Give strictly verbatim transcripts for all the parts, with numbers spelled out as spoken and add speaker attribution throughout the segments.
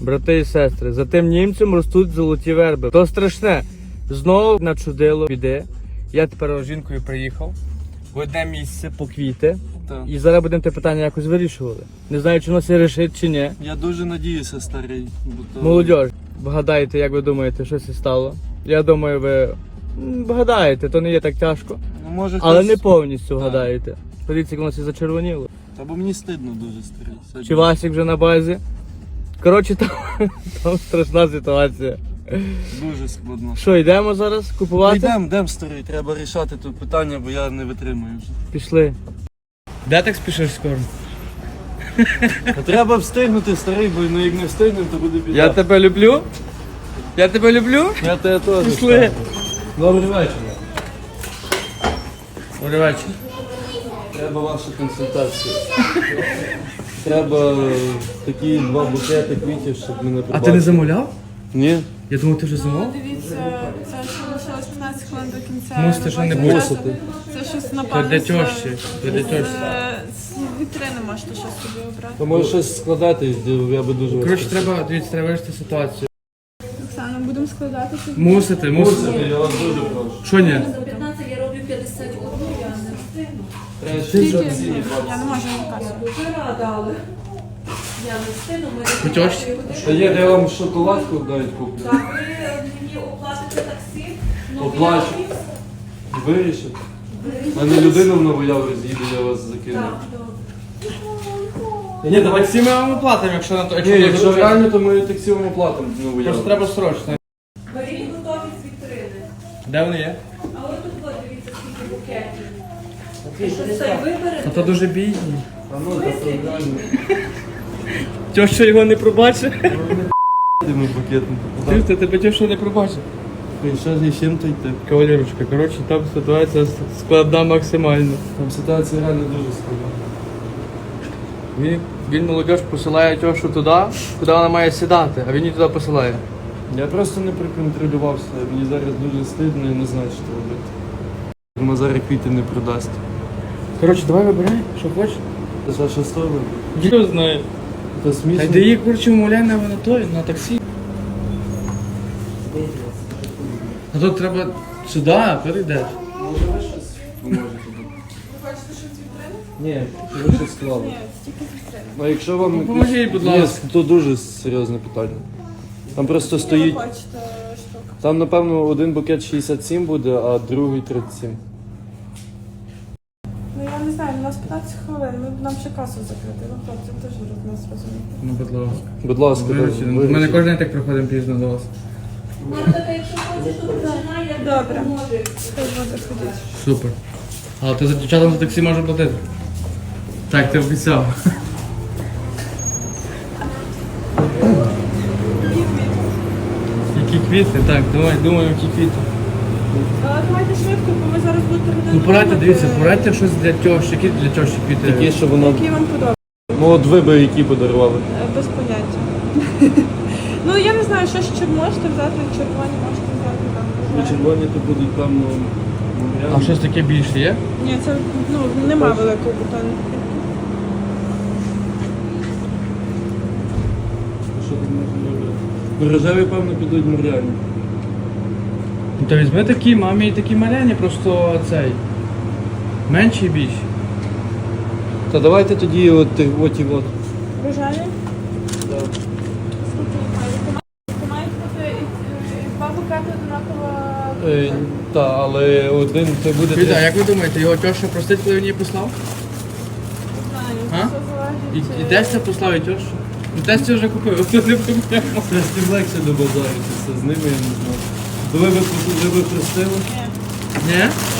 Speaker 1: брати і сестри, за тим німцем ростуть золоті верби. То страшне. Знову начудило біди. Я тепер з жінкою приїхав в одне місце по квіти.
Speaker 2: Так.
Speaker 1: І зараз будемо те питання якось вирішували. Не знаю, чи воно це рішить, чи ні.
Speaker 2: Я дуже надіюся, старий. Бо то...
Speaker 1: Молодь, вгадайте, як ви думаєте, що це стало? Я думаю, ви м, вгадаєте, то не є так тяжко.
Speaker 2: Ну, може,
Speaker 1: Але
Speaker 2: хтось...
Speaker 1: не повністю
Speaker 2: Так.
Speaker 1: вгадаєте. Подивіться, як воно це зачервоніло.
Speaker 2: Та бо мені стидно дуже, старий. Сьогодні...
Speaker 1: Чи Васик вже на базі? Коротше, там, там страшна ситуація.
Speaker 2: Дуже складно.
Speaker 1: Що, йдемо зараз купувати?
Speaker 2: Йдемо, йдемо, старий, треба рішати тут питання, бо я не витримую вже.
Speaker 1: Пішли. Де так спішиш скоро?
Speaker 2: А треба встигнути, старий, бо ну, як не встигнемо, то буде біда.
Speaker 1: Я тебе люблю. Я тебе люблю.
Speaker 2: Я тебе теж.
Speaker 1: Пішли.
Speaker 2: Добрий вечір.
Speaker 1: Добрий вечір.
Speaker 2: Треба ваша консультація. Треба е, такі два букети квітів, щоб мене
Speaker 1: А
Speaker 2: прибрати.
Speaker 1: ти не замовляв?
Speaker 2: Ні.
Speaker 1: Я думав, ти вже замовив.
Speaker 3: Дивіться, це ще лишилось п'ятнадцять хвилин до кінця.
Speaker 1: Мусите, що не
Speaker 3: робочого
Speaker 1: мусите.
Speaker 3: часу. Це щось
Speaker 1: Це
Speaker 3: напевно.
Speaker 1: для
Speaker 3: з-
Speaker 1: тьощі. Це для тьощі.
Speaker 3: з- З вітрини можете щось собі обрати.
Speaker 2: То може щось складати, я би дуже вас
Speaker 1: Коротше,
Speaker 2: просив.
Speaker 1: треба, дивіться, треба вирішити ситуацію.
Speaker 3: Оксана, будемо складати собі.
Speaker 1: Мусите, мусите.
Speaker 2: Мусите, я вас дуже прошу.
Speaker 1: Що ні?
Speaker 4: За п'ятнадцять я роблю п'ятдесят одну, я не встигну.
Speaker 2: Треба
Speaker 3: Скільки?
Speaker 2: шістдесят сім.
Speaker 3: Я не можу на касу.
Speaker 4: Дуже рада, але я не встигну. Ми
Speaker 1: Хочеш?
Speaker 2: Та є, де я вам шоколадку навіть куплю.
Speaker 4: Так, ви мені оплатите таксі, ну
Speaker 2: Оплачу. Вирішив. У мене людина в Новояврі з'їде, я вас закину.
Speaker 4: Так, добре.
Speaker 1: Ні, давай всі ми вам оплатимо, якщо на то.
Speaker 2: Ні, якщо реально, то ми таксі вам оплатимо в Новояврі.
Speaker 1: Просто треба срочно.
Speaker 4: Беріть готові з вітрини.
Speaker 1: Де вони є?
Speaker 4: А от тут от, дивіться, скільки букетів. Що це виберете?
Speaker 1: А то дуже бідні.
Speaker 2: А ну, та то реально.
Speaker 1: Тьоща його не пробачить.
Speaker 2: Тими букетом.
Speaker 1: Ти, ти тебе тьоща не пробачить.
Speaker 2: І що з чим то йти?
Speaker 1: Кавалерочка, коротше, там ситуація складна максимально.
Speaker 2: Там ситуація реально дуже складна.
Speaker 1: Він, він молодіж посилає тьошу туди, куди вона має сідати, а він її туди посилає.
Speaker 2: Я просто не проконтролювався, мені зараз дуже стидно і не знаю, що робити. Мазарик квіти не продасть.
Speaker 1: Коротше, давай вибирай, що хочеш.
Speaker 2: Це ж що сторона?
Speaker 1: Хто знає.
Speaker 2: Це
Speaker 1: Та
Speaker 2: смішно.
Speaker 1: йди її, коротше, умовляй на, на той, на таксі. А тут треба сюди, перейдеш.
Speaker 2: Може ви щось поможете?
Speaker 3: Ви хочете щось з вітрини?
Speaker 2: Ні, що ви щось склали.
Speaker 3: Ні, тільки з вітрини.
Speaker 2: Ну якщо вам...
Speaker 1: Ну, поможіть, будь
Speaker 2: Ні,
Speaker 1: ласка.
Speaker 2: то дуже серйозне питання. Там просто
Speaker 3: Скільки
Speaker 2: стоїть...
Speaker 3: ви хочете штук?
Speaker 2: Там, напевно, один букет шістдесят сім буде, а другий тридцять сім.
Speaker 3: Ну я не знаю, у нас п'ятнадцять хвилин, ми нам ще касу закрити. Ну хлопці, теж від нас розумієте.
Speaker 1: Ну, будь ласка.
Speaker 2: Будь ласка,
Speaker 1: Вирішили.
Speaker 2: вирішіть.
Speaker 1: Ми не кожен день так приходимо пізно до вас.
Speaker 4: Марта, якщо хочеш, то починай, я
Speaker 3: Добре.
Speaker 4: допоможу.
Speaker 3: Хай буде ходити.
Speaker 1: Супер. Але ти за дівчатам за таксі можеш платити? Так, ти обіцяв. Які квіти? Так, давай, думаю, які квіти.
Speaker 3: Але давайте швидко, бо ви зараз будете годину.
Speaker 1: Ну порадьте,
Speaker 3: думати.
Speaker 1: дивіться, порадьте щось для тьощі, які для тьощі квіти.
Speaker 2: Такі, що воно...
Speaker 3: Які вам подобаються?
Speaker 2: Ну от ви би які подарували.
Speaker 3: Е, Без поняття. Ну я не знаю, що ще можете взяти, червоні можете взяти там. не
Speaker 2: І
Speaker 3: знаю.
Speaker 2: червоні то будуть, певно...
Speaker 1: А щось таке більше є?
Speaker 3: Ні, це ну нема великого бутону.
Speaker 2: Що тут можна робити? Рожеві, певно, підуть моряні.
Speaker 1: Ну то візьми такі, мамі і такі маляні, просто цей. Менші і більші.
Speaker 2: Та давайте тоді от, от і от.
Speaker 3: Рожеві?
Speaker 2: Да.
Speaker 3: Скільки ви маєте? Ти маєте бути і- і два букети однаково.
Speaker 2: Е, та, але один це буде...
Speaker 1: Квіта, а як ви думаєте, його тьоща простить, коли він її послав?
Speaker 3: Не
Speaker 1: А?
Speaker 3: знаю, це
Speaker 1: І,
Speaker 3: залежить.
Speaker 1: і Тестя послав і тьощу? Ну Тестя вже купив, тут не проблема.
Speaker 2: Це з тим легше до базаритися, з ними я не знаю. То ви би, ви би простили?
Speaker 1: Ні?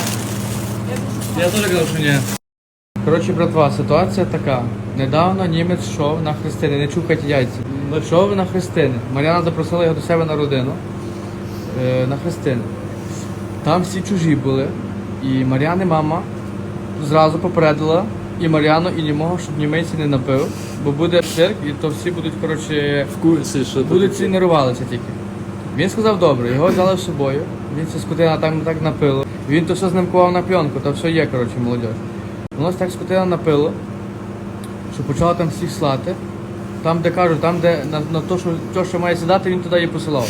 Speaker 1: Я теж казав, що ні. Коротше, братва, ситуація така. Недавно німець йшов на хрестини, не чухайте яйця. Йшов на хрестини. Мар'яна запросила його до себе на родину. Е, на хрестини. Там всі чужі були. І Мар'яни мама зразу попередила і Мар'яну, і німого, щоб німець не напив. Бо буде цирк, і то всі будуть, коротше,
Speaker 2: В курсі, що
Speaker 1: будуть
Speaker 2: тут.
Speaker 1: ці нервувалися тільки. Він сказав добре, його взяли з собою. Він ця скотина так, так напило. Він то все знімкував на пленку, то все є, коротше, молодь. Воно так скотина напило, що почала там всіх слати. Там, де кажу, там, де на, на то, що, то, що має сідати, він туди її посилав.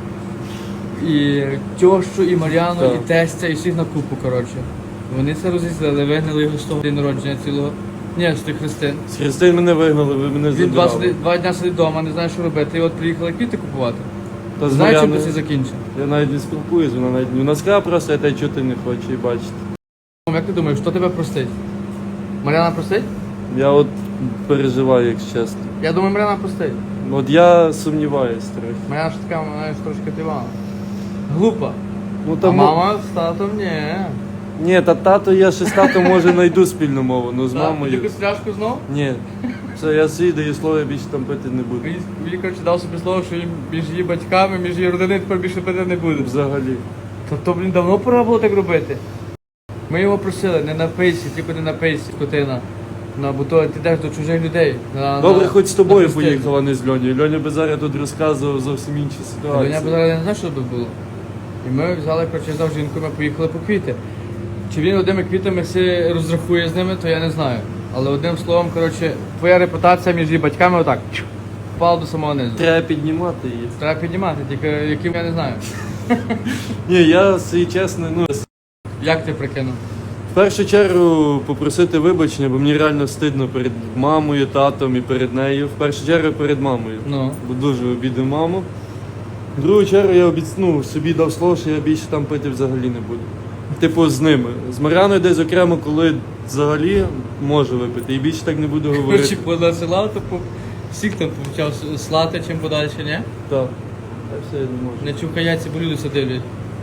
Speaker 1: І тьощу, і Мар'яну,
Speaker 2: Так.
Speaker 1: і тестя, і всіх на купу, коротше. Вони це розізлили, вигнали його з того день народження цілого. Ні, з тих хрестин.
Speaker 2: З Христин мене вигнали, ви мене
Speaker 1: Він два,
Speaker 2: забирали.
Speaker 1: сиди- два дня сидить вдома, не знає, що робити. І от приїхали квіти купувати.
Speaker 2: Та з
Speaker 1: Знаєш, чим
Speaker 2: Мар'яною
Speaker 1: це все закінчить?
Speaker 2: я навіть не спілкуюсь, вона навіть вона сказала просто, я тебе чути не хочу і бачити.
Speaker 1: Як ти думаєш, хто тебе простить? Мар'яна простить?
Speaker 2: Я от переживаю, якщо чесно.
Speaker 1: Я думаю, Мар'яна простить.
Speaker 2: От я сумніваюсь трохи.
Speaker 1: Мар'яна ж така, вона ж трошки тивана. Глупа.
Speaker 2: Ну
Speaker 1: А
Speaker 2: там
Speaker 1: мама з татом ні.
Speaker 2: ні, та тато, я ще з татом може знайду спільну мову, ну з мамою.
Speaker 1: Якусь пляшку знов?
Speaker 2: Ні. Все, я свій даю слово, я більше там пити не буду.
Speaker 1: Він, він коротше, дав собі слово, що їм між її батьками, між її родиною тепер більше пити не буде.
Speaker 2: Взагалі.
Speaker 1: Тобто, блін, давно пора було так робити. Ми його просили, не напийся, тільки не напийся, скотина. Ну, бо то ти йдеш до чужих людей. На,
Speaker 2: Добре,
Speaker 1: на-
Speaker 2: хоч з тобою
Speaker 1: на хрестини.
Speaker 2: поїхала, не з Льонею. Льоня би зараз тут розказував зовсім інші
Speaker 1: Та Льоня
Speaker 2: ситуації.
Speaker 1: б зараз не знає, що би було. І ми взяли, коротше, взяв жінку, ми поїхали по квіти. Чи він одними квітами все розрахує з ними, то я не знаю. Але одним словом, коротше, твоя репутація між її батьками отак чух, впала до самого низу.
Speaker 2: Треба піднімати її.
Speaker 1: Треба піднімати, тільки яким я не знаю.
Speaker 2: Ні, я свій чесно, ну
Speaker 1: Як ти прикинув?
Speaker 2: в першу чергу попросити вибачення, бо мені реально стидно перед мамою, татом і перед нею. В першу чергу перед мамою.
Speaker 1: Ну.
Speaker 2: Бо дуже обідав маму. В другу чергу я обіцяну, собі дав слово, що я більше там пити взагалі не буду. Типу з ними. З Мар'яною десь окремо, коли взагалі можу випити. І більше так не буду
Speaker 1: Коротше,
Speaker 2: говорити.
Speaker 1: понасилав, то по- всіх там почав слати чим подальше, ні?
Speaker 2: Так. Та все, я не можу.
Speaker 1: Не чухай яйця, бо люди це дивлять.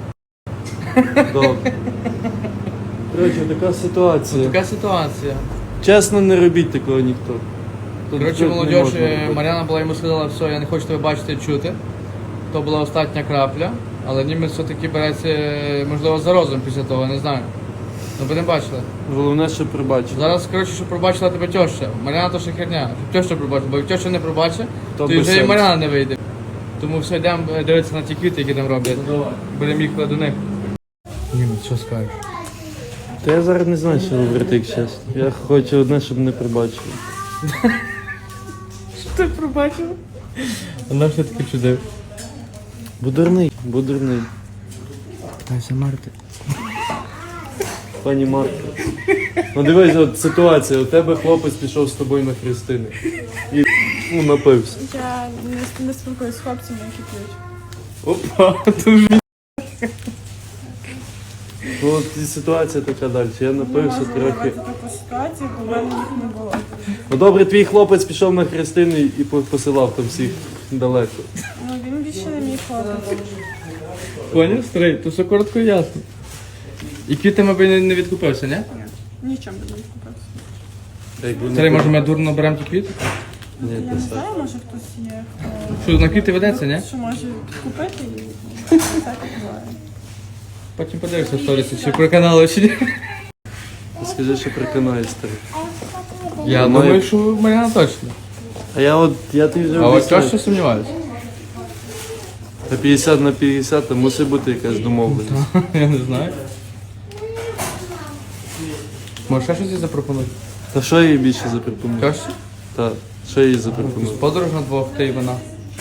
Speaker 2: Добре. Коротше, така ситуація.
Speaker 1: Така ситуація.
Speaker 2: Чесно, не робіть такого ніхто. Тут
Speaker 1: Коротше,
Speaker 2: тут не
Speaker 1: молодь,
Speaker 2: можна
Speaker 1: е,
Speaker 2: робити.
Speaker 1: Мар'яна була йому сказала, все, я не хочу тебе бачити і чути. То була остання крапля, але німець все-таки береться, е, можливо, за розум після того, не знаю. Ну, будемо бачили.
Speaker 2: Головне, що пробачити.
Speaker 1: Зараз, коротше, щоб пробачила тебе тьоща. Мар'яна то ще херня. Щоб тьоща пробачила, бо як тьоща не пробачить,
Speaker 2: То
Speaker 1: то,
Speaker 2: без
Speaker 1: вже і
Speaker 2: сенсу.
Speaker 1: Мар'яна не вийде. Тому все, йдемо е, дивитися на ті квіти, які там роблять. Будемо їхати до них. Німець, що скажеш?
Speaker 2: Та я зараз не знаю, що говорити, як чесно. Я хочу одне, щоб не пробачили.
Speaker 1: Що ти пробачив? Вона все таки чудив.
Speaker 2: Бо дурний, бо дурний.
Speaker 1: Дай замерти.
Speaker 2: Пані Марко. Ну дивись, от ситуація, у тебе хлопець пішов з тобою на хрестини. І ну, напився.
Speaker 3: Я не, не спілкуюсь з хлопцями, які п'ють.
Speaker 1: Опа, дуже.
Speaker 2: Ну от і ситуація така далі. Я
Speaker 3: Не
Speaker 2: напився
Speaker 3: можу
Speaker 2: трохи.
Speaker 3: уявити таку ситуацію, бо в мене їх не було.
Speaker 2: Ну добре, твій хлопець пішов на хрестини і по- посилав там всіх далеко.
Speaker 3: Ну він більше не мій хлопець.
Speaker 1: Поняв, старий, то все коротко і ясно. І квітами би не, не відкупився, ні?
Speaker 3: Нічим би не відкупився.
Speaker 2: Як би не
Speaker 1: Старий, може
Speaker 2: було.
Speaker 1: ми дурно беремо ті квіти?
Speaker 2: Ні,
Speaker 3: Я
Speaker 2: та
Speaker 3: не
Speaker 2: так.
Speaker 3: знаю, може хтось є,
Speaker 1: Що, на квіти ведеться, ні?
Speaker 3: хто що може підкупити і ну, так буває.
Speaker 1: Потім подивишся в сторіси, чи про канали, чи ні.
Speaker 2: Скажи, що приконає старий.
Speaker 1: Я
Speaker 2: Має-
Speaker 1: думаю, що Мар'яна точно.
Speaker 2: А я от, я ти вже
Speaker 1: А от
Speaker 2: обіцяв.
Speaker 1: точно сумніваюся.
Speaker 2: Та п'ятдесят на п'ятдесят, там мусить бути якась домовленість.
Speaker 1: Я не знаю. Може ще щось їй запропонувати?
Speaker 2: Та що я їй більше запропоную?
Speaker 1: Тьощі?
Speaker 2: Так, що я їй запропоную?
Speaker 1: Подорож на двох, ти і вона.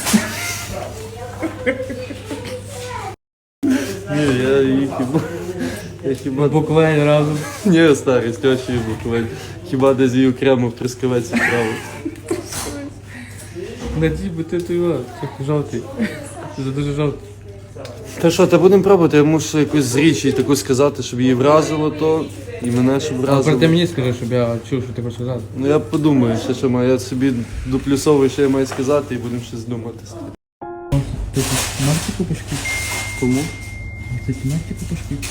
Speaker 2: Ні, я її хіба. Я хіба.
Speaker 1: Буквально разом.
Speaker 2: Ні, старий, з тьощею буквально. Хіба десь її окремо в трускавець відправив.
Speaker 1: Надій, бо ти той його, трохи жовтий. Ти за дуже жовтий.
Speaker 2: Та що, та будемо пробувати, я мушу якусь з річі таку сказати, щоб її вразило то, і мене щоб
Speaker 1: А про ти
Speaker 2: вразило.
Speaker 1: мені скажи, щоб я чув, що ти хочеш сказати.
Speaker 2: Ну я подумаю, ще що маю, я собі доплюсовую, що я маю сказати, і будемо щось думати.
Speaker 1: Ти Марті купиш квіт?
Speaker 2: Кому?
Speaker 1: Ти Марті купиш квіт?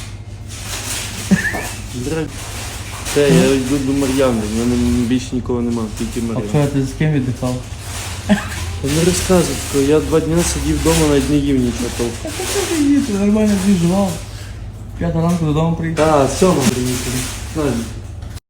Speaker 2: Дре- Те, я йду до Мар'яни, в мене більше нікого нема, тільки
Speaker 1: А
Speaker 2: Мар'яна.
Speaker 1: вчора ти з ким віддихав?
Speaker 2: Та не розказуй, тако, я два дні сидів вдома, навіть не їв нічого толком.
Speaker 1: Та ти що їти, нормально двіжував. П'ята ранку додому приїхав.
Speaker 2: Та, сьома приїхали. Знаєш,